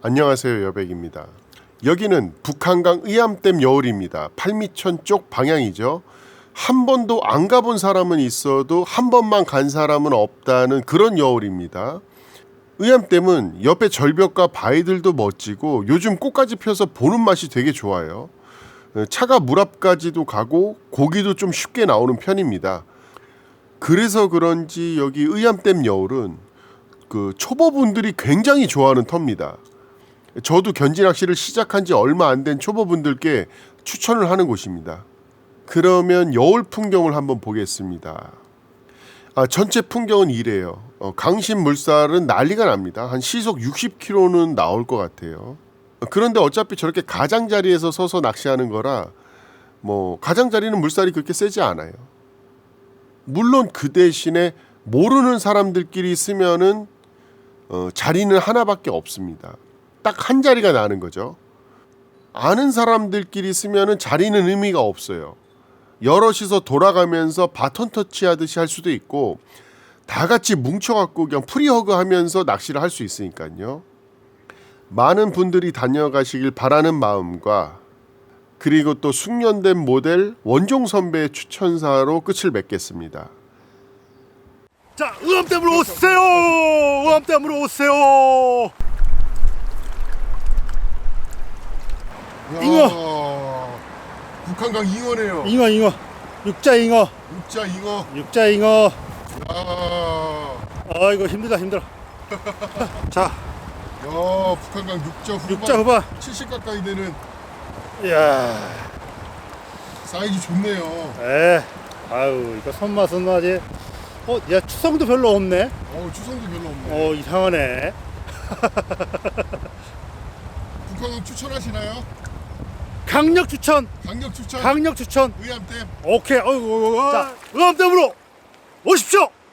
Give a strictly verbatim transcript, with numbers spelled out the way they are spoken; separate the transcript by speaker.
Speaker 1: 안녕하세요, 여백입니다. 여기는 북한강 의암댐 여울입니다. 팔미천 쪽 방향이죠. 한 번도 안 가본 사람은 있어도 한 번만 간 사람은 없다는 그런 여울입니다. 의암댐은 옆에 절벽과 바위들도 멋지고 요즘 꽃까지 펴서 보는 맛이 되게 좋아요. 차가 물 앞까지도 가고 고기도 좀 쉽게 나오는 편입니다. 그래서 그런지 여기 의암댐 여울은 그 초보분들이 굉장히 좋아하는 터입니다. 저도 견지 낚시를 시작한 지 얼마 안 된 초보분들께 추천을 하는 곳입니다. 그러면 여울 풍경을 한번 보겠습니다. 아, 전체 풍경은 이래요. 어, 강신 물살은 난리가 납니다. 한 시속 육십 킬로미터는 나올 것 같아요. 그런데 어차피 저렇게 가장자리에서 서서 낚시하는 거라 뭐 가장자리는 물살이 그렇게 세지 않아요. 물론 그 대신에 모르는 사람들끼리 쓰면은 어, 자리는 하나밖에 없습니다. 딱 한 자리가 나는 거죠. 아는 사람들끼리 쓰면은 자리는 의미가 없어요. 여럿이서 돌아가면서 바톤 터치하듯이 할 수도 있고 다 같이 뭉쳐갖고 그냥 프리허그 하면서 낚시를 할 수 있으니까요. 많은 분들이 다녀가시길 바라는 마음과 그리고 또 숙련된 모델 원종 선배의 추천사로 끝을 맺겠습니다.
Speaker 2: 자, 의암댐으로 오세요. 의암댐으로 오세요. 잉어.
Speaker 1: 북한강 잉어네요.
Speaker 2: 잉어, 잉어. 육자 잉어.
Speaker 1: 육자 잉어.
Speaker 2: 육자 잉어.
Speaker 1: 야,
Speaker 2: 아이고 힘들다 힘들어. 자,
Speaker 1: 야 북한강 육자 후반.
Speaker 2: 육자 후반.
Speaker 1: 칠십 가까이 되는
Speaker 2: 이야.
Speaker 1: 사이즈 좋네요.
Speaker 2: 에. 아유 이거 손맛은 나지. 어, 야 추성도 별로 없네.
Speaker 1: 어, 추성도 별로 없네.
Speaker 2: 어, 이상하네.
Speaker 1: 북한강 추천하시나요?
Speaker 2: 강력 추천.
Speaker 1: 강력 추천.
Speaker 2: 강력 추천.
Speaker 1: 의암댐.
Speaker 2: 오케이. 어이구. 자, 의암댐으로 오십시오.